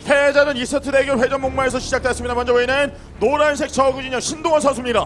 패자전 2세트 대결 회전 목마에서 시작됐습니다. 먼저 보이는 노란색 저구진영 신동원 선수입니다.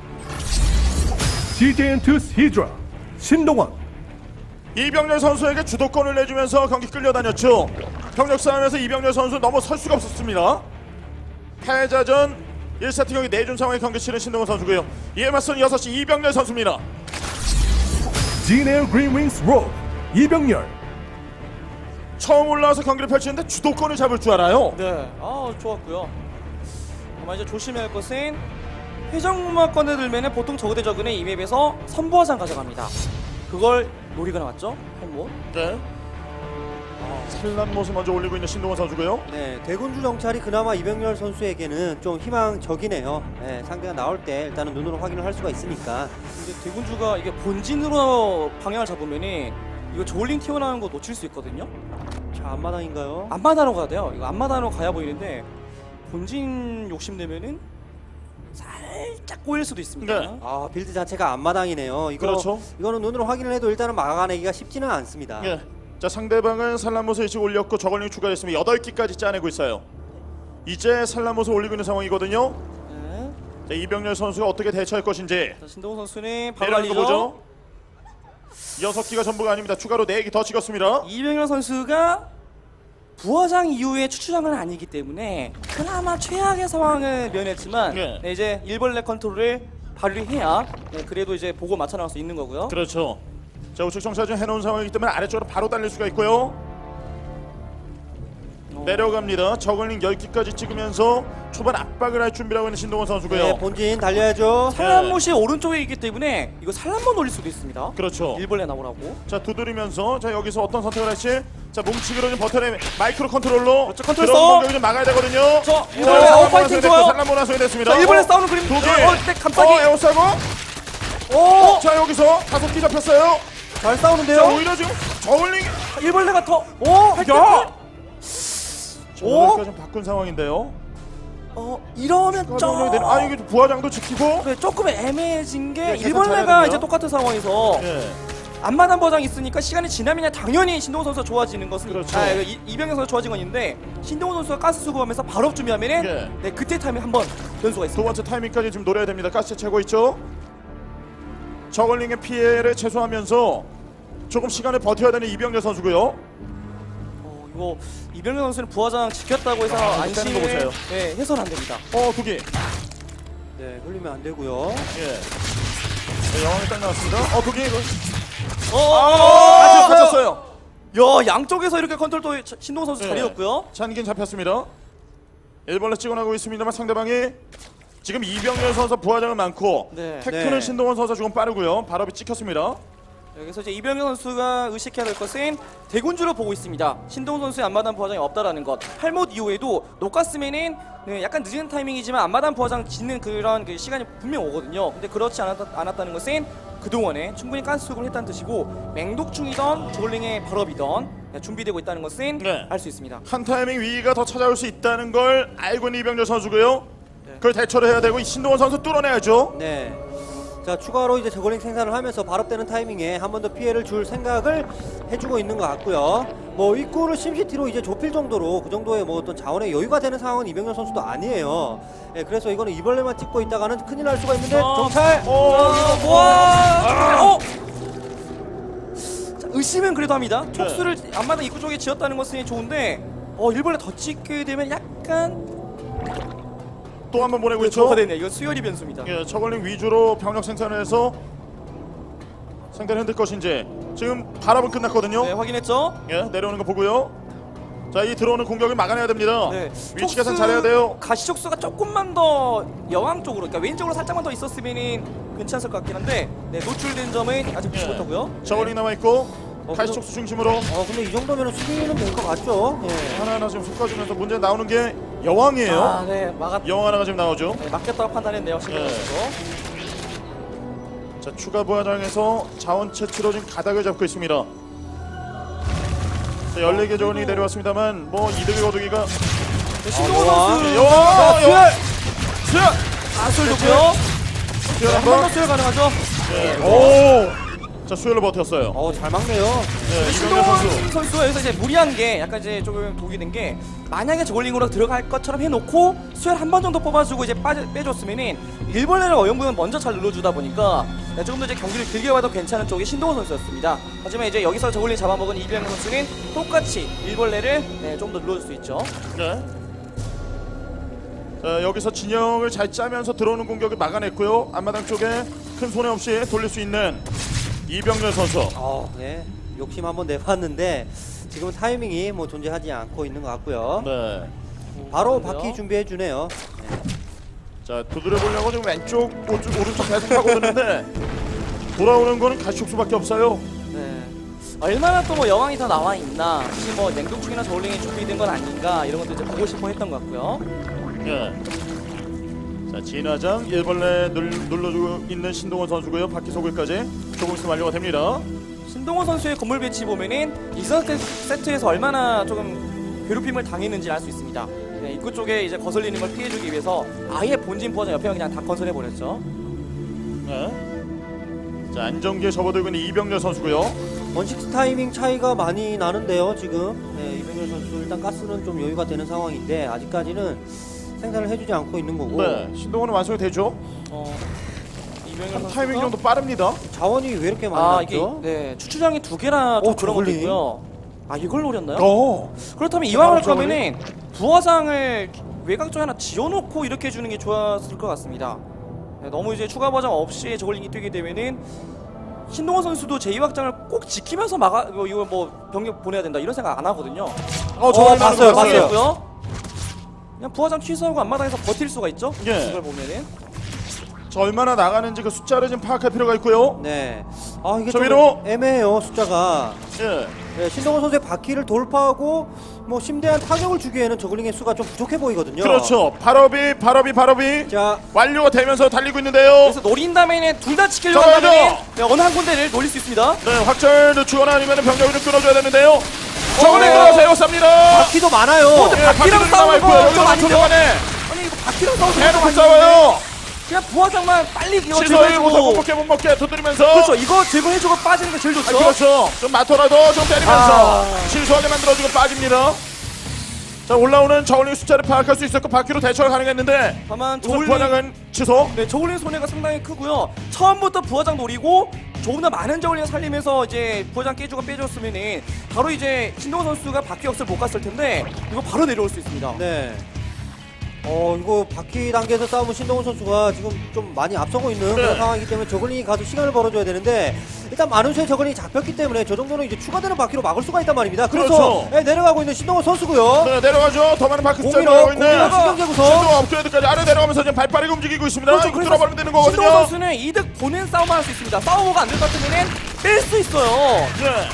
CJN2 히드라 신동원. 이병렬 선수에게 주도권을 내주면서 경기 끌려다녔죠. 경력 싸움에서 이병렬 선수 넘어설 수가 없었습니다. 패자전 1세트 경기 내준 상황의 경기 치른 신동원 선수고요. 이에 맞선 6시 이병렬 선수입니다. 진에어 그린윙스 로 이병렬. 처음 올라와서 경기를 펼치는데 주도권을 잡을 줄 알아요. 네, 좋았고요. 다만 이제 조심해야 할 것은 회전목마 꺼내들면 보통 저그 대 저그는 이 맵에서 선부화장 가져갑니다. 그걸 노리고 나왔죠, 헬모. 네. 산란 모습 먼저 올리고 있는 신동원 선수고요. 네, 대군주 정찰이 그나마 이병렬 선수에게는 좀 희망적이네요. 네, 상대가 나올 때 일단은 눈으로 확인을 할 수가 있으니까. 근데 대군주가 이게 본진으로 방향을 잡으면은 이거 저울링 튀어나오는 거 놓칠 수 있거든요. 자, 앞마당인가요? 앞마당으로 가야 돼요. 이거 앞마당으로 가야 보이는데 본진 욕심내면은 살짝 꼬일 수도 있습니다. 네. 아, 빌드 자체가 앞마당이네요. 이거 그렇죠. 이거는 눈으로 확인을 해도 일단은 막아내기가 쉽지는 않습니다. 예. 자, 상대방은 산란모스 일찍 올렸고 저걸링 추가했으면 8기까지 짜내고 있어요. 이제 산란모스 올리고 있는 상황이거든요. 네. 자, 이병렬 선수가 어떻게 대처할 것인지 자, 신동훈 선수는 바로 내려가는 거 달리죠. 보죠. 6기가 전부가 아닙니다. 추가로 4기 더 찍었습니다. 이병렬 선수가 부화장 이후에 추추장은 아니기 때문에 그나마 최악의 상황을 면했지만 네. 네, 이제 일벌레 컨트롤을 발휘해야 그래도 이제 보고 맞춰 나갈 수 있는 거고요. 그렇죠. 자, 우측 정찰 해놓은 상황이기 때문에 아래쪽으로 바로 달릴 수가 있고요. 내려갑니다. 저글링 10기까지 찍으면서 초반 압박을 할 준비라고 있는 신동원 선수고요. 네, 본진 달려야죠. 산란못이 오른쪽에 있기 때문에 이거 산란못 올릴 수도 있습니다. 그렇죠. 일벌레 나오라고. 자, 두드리면서 자, 여기서 어떤 선택을 할지. 자, 뭉치기로 좀 버텨내 마이크로 컨트롤로 그렇죠, 컨트롤 들어온 써. 공격을 좀 막아야 되거든요. 저 일벌레 아웃파이팅 좋아요. 산란모나 소리냈습니다. 자, 일벌레 싸우는 그림. 두 개. 네, 감싸기. 에어싸고. 자, 여기서 5기 잡혔어요. 잘 자, 싸우는데요. 오히려 지금 저글링. 일벌레가 더. 야. 저글링까지 좀 바꾼 상황인데요. 이러면 아, 이게 부하장도 지키고. 네, 조금 애매해진 게 네, 계산 일벌레가 잘해야 이제 똑같은 상황에서 예. 앞마당 버장 있으니까 시간이 지나면 당연히 신동훈 선수가 좋아지는 것은 그렇죠. 이병현 선수가 좋아진 건 있는데 신동훈 선수가 가스 수급하면서 바로 준비하면은 예. 네, 그때 타임에 한번 변수가 두 있습니다. 번째 타이밍까지 지금 노려야 됩니다. 가스 채고 있죠. 저글링의 피해를 최소화하면서 조금 시간을 버텨야 되는 이병렬 선수고요. 이거 이병현 선수는 부하장 지켰다고 해서 떼는 거 보세요. 안심을 네, 해서는 안 됩니다. 2기. 네, 흘리면 안 되고요. 예. 네, 영광이 딱 나왔습니다. 2기. 갇혔어요. 야, 양쪽에서 이렇게 컨트롤 또 신동훈 선수 네. 잘해줬고요. 잔긴 잡혔습니다. 일벌레 찍어나고 있습니다만 상대방이 지금 이병렬 선수 부하장은 많고 네. 테크는 네. 신동원 선수 조금 빠르고요. 발업이 찍혔습니다. 여기서 이제 이병현 선수가 의식해야 될 것은 대군주로 보고 있습니다. 신동훈 선수의 앞마당 부하장이 없다라는 것. 할못 이후에도 녹았으면은 네, 약간 늦은 타이밍이지만 앞마당 부하장 짓는 그런 그 시간이 분명 오거든요. 근데 그렇지 않았다는 것은 그동안에 충분히 가스 수급을 했다는 뜻이고 맹독충이던 저글링의 발업이던 네, 준비되고 있다는 것은 네. 알 수 있습니다. 한 타이밍 위기가 더 찾아올 수 있다는 걸 알고 있는 이병렬 선수고요. 그걸 대처를 해야 되고 이 신동원 선수 뚫어내야죠. 네. 자, 추가로 이제 저글링 생산을 하면서 발업되는 타이밍에 한 번 더 피해를 줄 생각을 해주고 있는 것 같고요. 뭐 입구를 심시티로 이제 좁힐 정도로 그 정도의 뭐 어떤 자원의 여유가 되는 상황은 이병렬 선수도 아니에요. 네, 그래서 이거는 이벌레만 찍고 있다가는 큰일 날 수가 있는데 정찰. 자, 의심은 그래도 합니다. 촉수를 앞마당 입구 쪽에 지었다는 것은 좋은데 일본에 더 찍게 되면 약간 또 한 번 보내고 있죠. 저가 되네요. 이거 수열이 변수입니다. 예, 저글링 위주로 병력 생산을 해서 상대를 흔들 것인지 지금 발업은 끝났거든요. 네, 확인했죠? 예, 내려오는 거 보고요. 자, 이 들어오는 공격을 막아내야 됩니다. 네. 위치 계산 잘해야 돼요. 가시촉수가 조금만 더 여왕 쪽으로, 그러니까 왼쪽으로 살짝만 더 있었으면 괜찮을 것 같긴 한데 노출된 점은 아직 보지 못하고요. 저글링 남아 있고 가시촉수 중심으로 근데 이 정도면 수비는 될 것 같죠. 예. 하나하나 지금 솎아주면서 문제 나오는 게 여왕이에요. 네, 여왕 하나가 지금 나오죠. 네, 막겠다고 판단했네요. 신경 쓰고. 자, 추가 부하장에서 자원 채취로 지금 가닥을 잡고 있습니다. 자, 14개 저글링이 내려왔습니다만 뭐 이득이 거두기가 신동원 선수 여왕! 수열 좋고요. 수열 한 번 더 한번. 수열 가능하죠? 오! 자, 수혈로 버텼어요. 잘 막네요. 네, 이병렬 신동원 선수. 선수가 여기서 이제 무리한 게 약간 이제 조금 독이 된 게 만약에 저글링으로 들어갈 것처럼 해놓고 수혈 한 번 정도 뽑아주고 이제 빼줬으면은 일벌레를 어영부영 먼저 잘 눌러주다 보니까 조금 더 이제 경기를 길게 봐도 괜찮은 쪽이 신동원 선수였습니다. 하지만 이제 여기서 저글링 잡아먹은 이병렬 선수는 똑같이 일벌레를 좀 더 눌러줄 수 있죠. 네. 자, 여기서 진영을 잘 짜면서 들어오는 공격을 막아냈고요. 앞마당 쪽에 큰 손해 없이 돌릴 수 있는 이병렬 선수. 네. 욕심 한번 내봤는데 지금 타이밍이 뭐 존재하지 않고 있는 것 같고요. 네. 바로 그런데요? 바퀴 준비해 주네요. 자, 두드려 보려고 지금 왼쪽, 오른쪽 계속 파고드는데 돌아오는 거는 가시촉수밖에 없어요. 네. 얼마나 또 뭐 여왕이 더 나와 있나, 혹시 뭐 냉동충이나 저울링이 준비된 건 아닌가 이런 것도 이제 보고 싶어 했던 것 같고요. 예. 자, 진화장 일벌레 눌러주고 있는 신동원 선수고요. 바퀴 소굴까지 조금 있으면 완료가 됩니다. 신동원 선수의 건물 배치 보면은 이전 세트에서 얼마나 조금 괴롭힘을 당했는지 알 수 있습니다. 네, 입구 쪽에 이제 거슬리는 걸 피해주기 위해서 아예 본진 포화장 옆에 그냥 다 건설해 버렸죠. 네. 자, 안정기에 접어들고 있는 이병렬 선수고요. 원식스 타이밍 차이가 많이 나는데요. 지금 이병렬 선수 일단 가스는 좀 여유가 되는 상황인데 아직까지는 생산을 해주지 않고 있는 거고 네. 신동원은 완성이 되죠. 이병렬 한 선수가 타이밍 정도 빠릅니다. 자원이 왜 이렇게 많이 이게 났죠? 네 추출장이 2개나 좀 그런 것도 저글링? 있고요. 이걸 노렸나요? 어. 그렇다면 이왕 할 저글링? 거면은 부화장을 외곽 쪽에 하나 지어놓고 이렇게 해주는 게 좋았을 것 같습니다. 네, 너무 이제 추가 부화장 없이 저글링이 뛰게 되면은 신동원 선수도 제2확장을 꼭 지키면서 이거 뭐 병력 보내야 된다 이런 생각 안 하거든요. 봤어요. 봤고요. 그냥 부화장 취소하고 앞마당에서 버틸 수가 있죠. 예. 이걸 보면은 자, 얼마나 나가는지 그 숫자를 좀 파악할 필요가 있고요. 네. 이게 저 좀 위로! 애매해요 숫자가. 예. 네, 신동원 선수의 바퀴를 돌파하고 뭐 심대한 타격을 주기에는 저글링의 수가 좀 부족해 보이거든요. 그렇죠. 발업이 자, 완료가 되면서 달리고 있는데요. 그래서 노린 다음에는 둘 다 지키려고 잡아야죠. 한다면 어느 한 군데를 노릴 수 있습니다. 네, 확절 늦추거나 아니면 병력을 좀 끊어줘야 되는데요. 저번에 어. 들어가서 쌉니다. 바퀴도 많아요. 예, 바퀴랑 바퀴도 싸우는 남아있고요. 거 여기서 좀 아니죠? 초반에 아니 이거 바퀴랑 싸우는 대놓고 거 싸워요. 그냥 부화장만 빨리 이거 시소에 못하고 제거해주고 못 먹게 두드리면서. 그렇죠. 이거 제거해주고 빠지는 게 제일 좋죠. 그렇죠. 좀 맞더라도 좀 때리면서 실수하게 만들어주고 빠집니다. 자, 올라오는 저울링 숫자를 파악할 수 있었고 바퀴로 대처가 가능했는데 다만 우선 저울링 부하장은 취소. 네, 저울링 손해가 상당히 크고요. 처음부터 부화장 노리고 조금 더 많은 저울링을 살리면서 이제 부화장 깨주고 빼줬으면은 바로 이제 신동원 선수가 바퀴 역습 못 갔을 텐데 이거 바로 내려올 수 있습니다. 네. 이거 바퀴 단계에서 싸우면 신동훈 선수가 지금 좀 많이 앞서고 있는 그런 상황이기 때문에 저글링이 가서 시간을 벌어줘야 되는데 일단 많은 수의 저글링이 잡혔기 때문에 저 정도는 이제 추가되는 바퀴로 막을 수가 있단 말입니다. 그래서 그렇죠. 내려가고 있는 신동훈 선수고요. 네, 내려가죠. 더 많은 바퀴 숫자 공이로 들어가고 있는 신동 제구석. 신동 업그레이드까지 아래 내려가면서 지금 발빠르게 움직이고 있습니다. 그렇죠. 이거 그래서 뚫어버리면 되는 거거든요. 신동원 선수는 이득 보는 싸움만 할 수 있습니다. 싸우고가 안 될 것 같으면은 뺄 수 있어요. 네.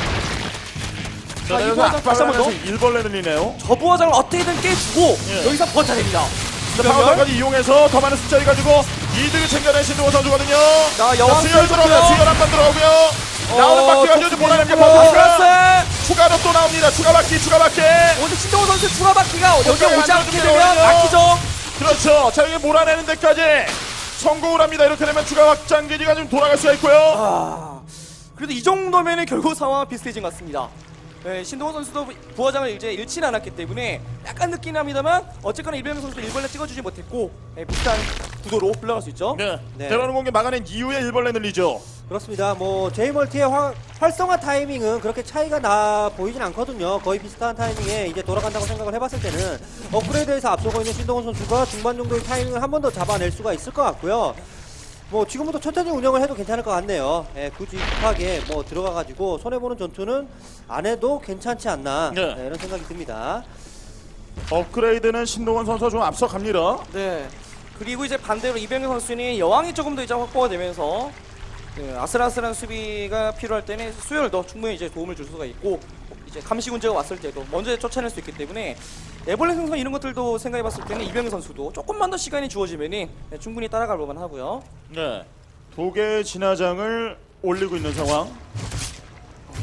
자, 이 여기서 부하장 다시 한번 더. 앞발하면서 일벌레 늘리네요. 저 부화장을 어떻게든 깨주고 예. 여기서 버텨냅니다. 파워까지 이용해서 더 많은 숫자를 가지고 이득을 챙겨낸 신동호 선수거든요. 자, 여왕 수열 들어오고요. 선수고요. 수열 한번 들어오고요. 나오는 바퀴가 이제 몰아내는 게 플러스! 버티니까 추가로 또 나옵니다. 추가 바퀴. 오늘 신동호 선수 추가 바퀴가 여기 오지 않게 만들어주면 되면 되거든요. 막히죠. 그렇죠. 자, 여기 몰아내는 데까지 성공을 합니다. 이렇게 되면 추가 확장 기지가 좀 돌아갈 수가 있고요. 그래도 이 정도면은 결국 상황은 비슷해진 것 같습니다. 네, 신동호 선수도 부화장을 이제 잃지는 않았기 때문에 약간 늦긴 합니다만 어쨌거나 이병렬 선수 일벌레 찍어주지 못했고 비슷한 구도로 흘러갈 수 있죠. 네. 네. 대라는 공격 막아낸 이후에 일벌레 늘리죠. 그렇습니다. 뭐 제이멀티의 활성화 타이밍은 그렇게 차이가 나 보이진 않거든요. 거의 비슷한 타이밍에 이제 돌아간다고 생각을 해봤을 때는 업그레이드에서 앞서고 있는 신동훈 선수가 중반 정도의 타이밍을 한 번 더 잡아낼 수가 있을 것 같고요. 뭐 지금부터 천천히 운영을 해도 괜찮을 것 같네요. 굳이 급하게 뭐 들어가가지고 손해보는 전투는 안 해도 괜찮지 않나 네. 이런 생각이 듭니다. 업그레이드는 신동원 선수가 좀 앞서갑니다. 네. 그리고 이제 반대로 이병렬 선수는 여왕이 조금 더 이제 확보가 되면서 아슬아슬한 수비가 필요할 때는 수열도 충분히 이제 도움을 줄 수가 있고 이제 감시 군제가 왔을 때도 먼저 쫓아낼 수 있기 때문에 애벌레 생성 이런 것들도 생각해봤을 때는 이병렬 선수도 조금만 더 시간이 주어지면은 충분히 따라갈 만만 하고요. 네. 두 개의 진화장을 올리고 있는 상황.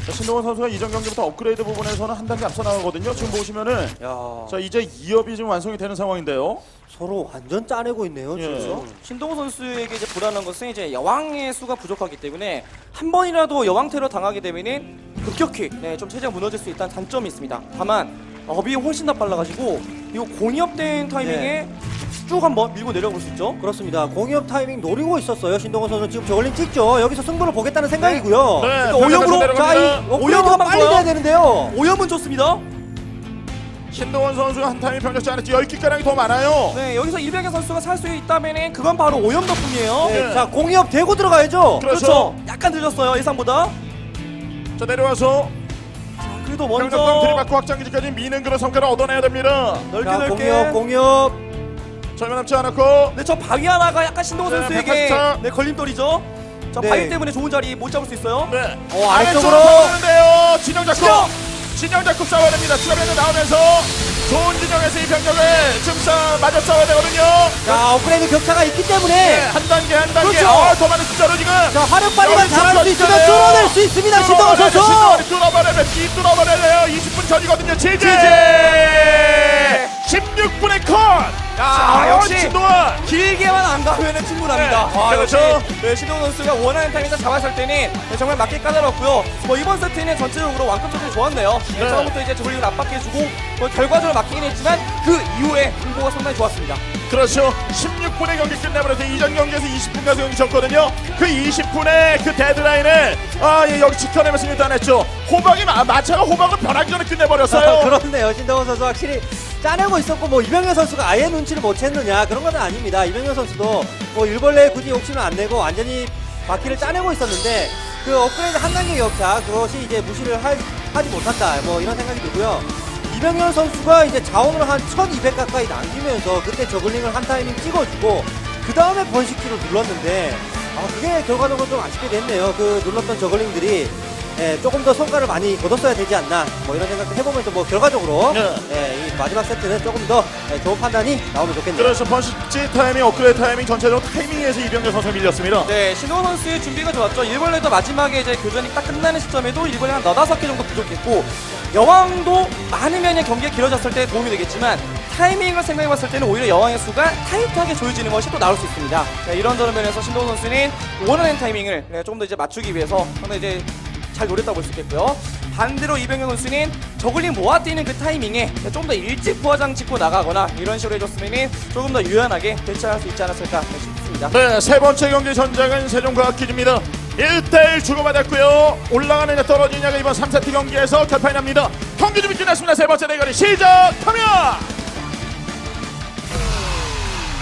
자, 신동원 선수가 이전 경기부터 업그레이드 부분에서는 한 단계 앞서 나가거든요. 지금 보시면은 야. 자 이제 2업이 지금 완성이 되는 상황인데요. 서로 완전 짜내고 있네요. 예. 지금. 신동호 선수에게 이제 불안한 것은 이제 여왕의 수가 부족하기 때문에 한 번이라도 여왕 테러 당하게 되면은 급격히 좀 체제가 무너질 수 있다는 단점이 있습니다. 다만 업이 훨씬 더 빨라가지고 이거 공이업된 타이밍에 쭉 한번 밀고 내려볼 수 있죠. 그렇습니다. 공이업 타이밍 노리고 있었어요. 신동원 선수 지금 저글링 찍죠. 여기서 승부를 보겠다는 생각이고요. 네, 오염으로 내려갑니다. 자, 이 업그레이드가 오염 빨리 한번 돼야 되는데요. 오염은 좋습니다. 신동원 선수가 한 타임이 병력 짜냈지 10기가량이 더 많아요. 네, 여기서 이병현 선수가 살 수 있다면은 그건 바로 오염 덕분이에요. 네, 예. 자, 공이업 되고 들어가야죠. 그렇죠. 약간 늦었어요 예상보다. 자 내려와서 그래도 병력방 먼저 들이받고 확장기지까지 미는 그런 성과를 얻어내야 됩니다. 넓게 자, 넓게. 공이업. 절면 남지 않았고 네, 저 바위 하나가 약간 신동호 네, 선수에게 184. 네, 걸림돌이죠. 저 네. 바위 때문에 좋은 자리 못 잡을 수 있어요. 네. 아래쪽으로. 싸우는데요. 진영 잡고 진영 잡고 싸워야 됩니다. 추가 병력 나오면서 좋은 진영에서 이 병력을 지금 맞아 싸워야 되거든요. 자, 업그레이드 격차가 있기 네, 때문에 한 단계 한 단계. 그렇죠. 더 많은 숫자로 지금. 자, 화력 발휘만 여기 잘할 수 점수가 있으면 있잖아요. 뚫어낼 수 있습니다. 신동원 선수. 뚫어버려요. 20분 전이거든요. 지지. 16분의 컷. 역시 신동원. 길게만 안 가면은 충분합니다. 네, 그렇죠. 역시 네, 신동호 선수가 원하는 타이밍에서 잡았을 때는 네, 정말 맞게 까다롭고요. 뭐 이번 세트는 전체적으로 완급 조절이 좋았네요. 네, 네. 처음부터 이제 저글링을 압박해주고 뭐 결과적으로 막히긴 했지만 그 이후에 승부가 상당히 좋았습니다. 그렇죠. 16분의 경기 끝내버려서 이전 경기에서 20분 가서 경기 졌거든요. 그 20분의 그 데드라인을 여기 지켜내면서 일단했죠. 호박이 마차가 호박을 변하기 전에 끝내버렸어요. 그렇네요. 신동원 선수 확실히 짜내고 있었고 뭐 이병현 선수가 아예 눈치를 못 챘느냐 그런 건 아닙니다. 이병현 선수도 뭐 일벌레 굳이 욕심을 안 내고 완전히 바퀴를 짜내고 있었는데 그 업그레이드 한 단계 격차 그것이 이제 무시를 하지 못한다 뭐 이런 생각이 들고요. 이병현 선수가 이제 자원을 한 1200 가까이 남기면서 그때 저글링을 한 타이밍 찍어주고 그 다음에 번식키를 눌렀는데 그게 결과적으로 좀 아쉽게 됐네요. 그 눌렀던 저글링들이 조금 더 성과를 많이 거뒀어야 되지 않나 뭐 이런 생각도 해보면서 뭐 결과적으로 네. 이 마지막 세트는 조금 더 좋은 판단이 나오면 좋겠네요. 그래서 번식지 타이밍, 업그레이드 타이밍 전체적으로 타이밍에서 이병렬 선수 밀렸습니다. 네, 신동호 선수의 준비가 좋았죠. 일벌레도 마지막에 이제 교전이 딱 끝나는 시점에도 일벌레 한 4-5개 정도 부족했고 여왕도 많으면 경기가 길어졌을 때 도움이 되겠지만 타이밍을 생각해봤을 때는 오히려 여왕의 수가 타이트하게 조여지는 것이 또 나올 수 있습니다. 네, 이런저런 면에서 신동호 선수는 원하는 타이밍을 조금 더 이제 맞추기 위해서 상당히 이제 잘 노렸다고 볼 수 있겠고요. 반대로 이병현 선수는 저글링 모아뛰는 그 타이밍에 좀 더 일찍 부화장 짓고 나가거나 이런 식으로 해줬으면 조금 더 유연하게 대처할 수 있지 않았을까 싶습니다. 네, 세 번째 경기 전장은 세종과학기지입니다. 1대1 주고받았고요. 올라가느냐 떨어지냐가 이번 3세트 경기에서 결판이 납니다. 경기 준비 끝났습니다. 세 번째 대결이 시작합니다.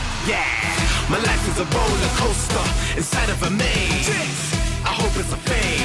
My life is a roller coaster inside of a maze. I hope it's a phase.